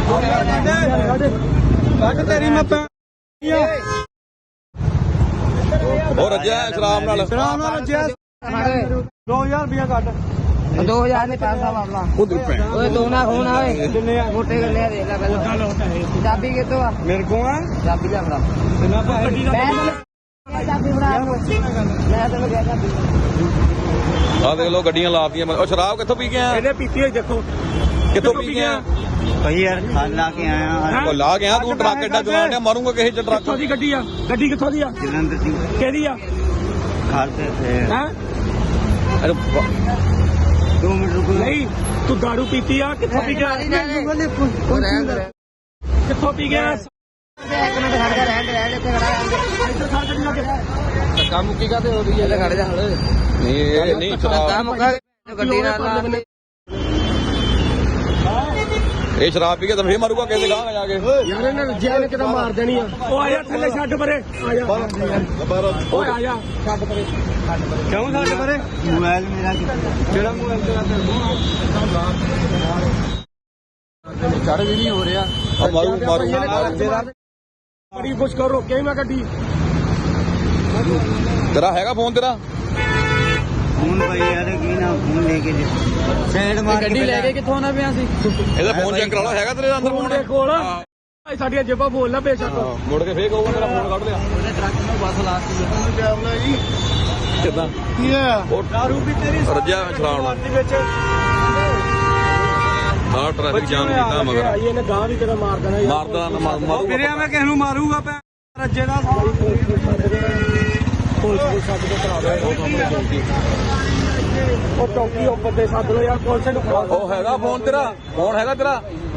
तेरी मैं और रज्जा शराब नाल 2000 रुपया कट 2000 ने पैसा वापला ओए दो ना खून आवे मोटे कर ले देख ले पहले चाबी कितो आ मेरे को है चाबी ले बड़ा चाबी बड़ा मैं तेन क्या चाबी आ देख लो गड्डियां लातियां और शराब कित्थों पी के आया ਇਹਨੇ ਪੀਤੀ ਹੋਈ ਦੇਖੋ कित्थों पी के आया ਭਾਈ ਯਾਰ ਖਾਲ ਲਾ ਕੇ ਆਇਆ ਉਹ ਲਾ ਗਿਆ ਤੂੰ ਟਰੱਕ ਐਡਾ ਚਲਾਉਂਦਾ ਮਾਰੂੰਗਾ ਕਿਸੇ ਚ ਟਰੱਕ ਕਿੱਥੋਂ ਦੀ ਗੱਡੀ ਆ ਗੱਡੀ ਕਿੱਥੋਂ ਦੀ ਆ ਜਲੰਧਰ ਦੀ ਕਿਹਦੀ ਆ ਖਾਲ ਤੇ ਹੈ 2 ਮਿੰਟ ਰੁਕੋ ਨਹੀਂ ਤੂੰ दारू ਪੀਤੀ ਆ ਕਿੱਥੋਂ ਪੀ ਗਿਆ ਕਿੱਥੋਂ ਪੀ ਗਿਆ एक मिनट खड़ जा रहने ਇੱਥੇ ਖੜਾ ਇੱਧਰ ਖੜ ਗੱਡੀ ਲਾ ਕੇ ਧੱਕਾ ਮੁੱਕੀ ਕਾਤੇ ਹੋ ਰਹੀ ਹੈ ਖੜ ਜਾ ਹਲੇ ਨਹੀਂ ਇਹ ਨਹੀਂ ਸ਼ਰਾਬ ਮੁੱਕਾ ਗੱਡੀ ਨਾਲ ਇਹ ਸ਼ਰਾਬ ਪੀ ਕੇ ਤਾਂ ਫੇਰ ਮਾਰੂਗਾ ਕਿਸੇ ਗਾਂ ਜਾ ਕੇ ਯਾਰ ਇਹਨਾਂ ਰੱਜਿਆ ਨੇ ਕਿਤੇ ਮਾਰ ਦੇਣੀ ਆ ਉਹ ਆਇਆ ਥੱਲੇ ਛੱਡ ਪਰੇ ਆ ਜਾ ਓਏ ਆ ਜਾ ਛੱਡ ਪਰੇ ਕਿਉਂ ਛੱਡ ਪਰੇ ਮੋਬਾਈਲ ਮੇਰਾ ਜਿਹੜਾ ਮੋਬਾਈਲ ਤੇਰਾ ਚੜ ਵੀ ਨਹੀਂ ਹੋ ਰਿਹਾ ਮਾਰੂ ਬੜੀ ਕੁਛ ਕਰ ਰੋਕੇ ਮੈਂ ਗੱਡੀ ਤੇਰਾ ਹੈਗਾ ਫੋਨ ਤੇਰਾ ਫੋਨ ਭਾਈ ਯਾਰ ਕੀ ਨਾ ਫੋਨ ਲੈ ਕੇ ਸਾਈਡ ਮਾਰ ਗੱਡੀ ਲੈ ਕੇ ਕਿੱਥੋਂ ਆਣਾ ਪਿਆ ਸੀ ਇਹਦਾ ਫੋਨ ਚੈੱਕ ਕਰਾ ਲਓ ਹੈਗਾ ਤੇਰੇ ਅੰਦਰ ਫੋਨ ਦੇ ਕੋਲ ਸਾਡੀਆਂ ਜੇਬਾਂ ਬੋਲ ਨਾ ਬੇਸ਼ੱਕ ਮੁੜ ਕੇ ਫੇਰ ਕਹੂਗਾ ਤੇਰਾ ਫੋਨ ਕੱਢ ਲਿਆ ਉਹਨੇ ਟਰੱਕ ਨੂੰ ਬੱਸ ਲਾਤੀ ਕਿੱਦਾਂ ਕੀ ਆ ਉਹ ਦਾਰੂ ਵੀ ਤੇਰੀ ਰੱਜਿਆ ਸ਼ਰਾਬ ਨਾਲ ਦੇ ਵਿੱਚ ਹਾਂ ਟ੍ਰੈਫਿਕ ਜਾਮ ਕੀਤਾ ਮਗਰ ਆਈ ਇਹਨੇ ਗਾਂ ਵੀ ਤੇਰਾ ਮਾਰ ਦੇਣਾ ਮਾਰਦਾ ਮਾਰੂ ਵੀਰੇ ਮੈਂ ਕਿਸ ਨੂੰ ਮਾਰੂਗਾ ਪੈ ਰੱਜੇ ਦਾ ਪੁਲਿਸ ਨੂੰ ਸੱਦ ਕੇ ਕਰਾ ਦੇ ਉਹ ਚੌਕੀ ਉਹ ਬੰਦੇ ਸੱਦ ਲੋ ਯਾਰ ਪੁਲਿਸ ਨੂੰ ਫੜਾ ਉਹ ਹੈਗਾ ਫੋਨ ਤੇਰਾ ਫੋਨ ਹੈਗਾ ਤੇਰਾ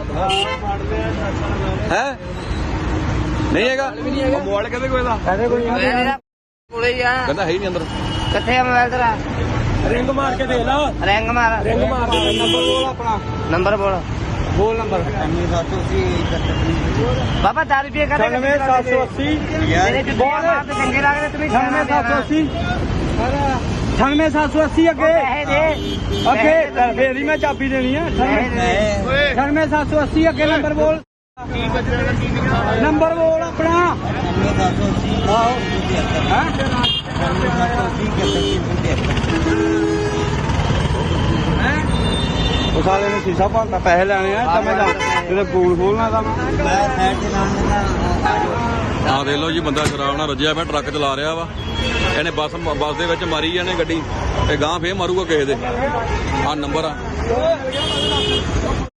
ਹੈ ਨਹੀਂ ਹੈਗਾ ਮੋਬਾਈਲ ਕਿਹਦੇ ਕੋਲ ਦਾ ਕਹਿੰਦੇ ਕੋਈ ਕੋਲੇ ਹੀ ਆ ਕਹਿੰਦਾ ਹੈ ਹੀ ਨਹੀਂ ਅੰਦਰ ਕਿੱਥੇ ਆ ਮੋਬਾਈਲ ਤੇਰਾ ਰਿੰਗ ਮਾਰ ਕੇ ਦੇ ਲਾ ਰਿੰਗ ਮਾਰ ਰਿੰਗ ਮਾਰ ਦੇ ਨੰਬਰ ਬੋਲ ਆਪਣਾ ਨੰਬਰ ਬੋਲ ਬੋਲ ਨੰਬਰ ਬਾਬਾ 10 ਰੁਪਏ ਕਾ 97780 ਮੇਰੇ ਤੇ ਬੋਲ ਤੇ ਚੰਗੇ ਲੱਗਦੇ ਤੁਸੀਂ 97780 97780 ਅੱਗੇ ਫੇਰ ਹੀ ਮੈਂ ਚਾਬੀ ਦੇਣੀ ਆ 97780 ਅੱਗੇ ਨੰਬਰ ਬੋਲ ਨੰਬਰ ਬੋਲ ਆਪਣਾ ਉਹ ਸਾਲੇ ਨੇ ਸ਼ੀਸ਼ਾ ਭੰਨਤਾ ਪੈਸੇ ਲੈਣੇ ਆ ਤਾਂ ਮੈਂ ਤੇਰੇ ਪੂਲ ਖੋਲਣਾ ਤਾਂ ਆ ਦੇਖ ਲਓ ਜੀ ਬੰਦਾ ਸ਼ਰਾਬ ਨਾਲ ਰੱਜਿਆ ਪਿਆ ਟਰੱਕ ਚਲਾ ਰਿਹਾ ਵਾ ਇਹਨੇ ਬੱਸ ਦੇ ਵਿੱਚ ਮਾਰੀ ਜਾਣੇ ਗੱਡੀ ਤੇ ਗਾਂ ਫੇਰ ਮਾਰੂਗਾ ਕਿਸੇ ਦੇ ਆ ਨੰਬਰ ਆ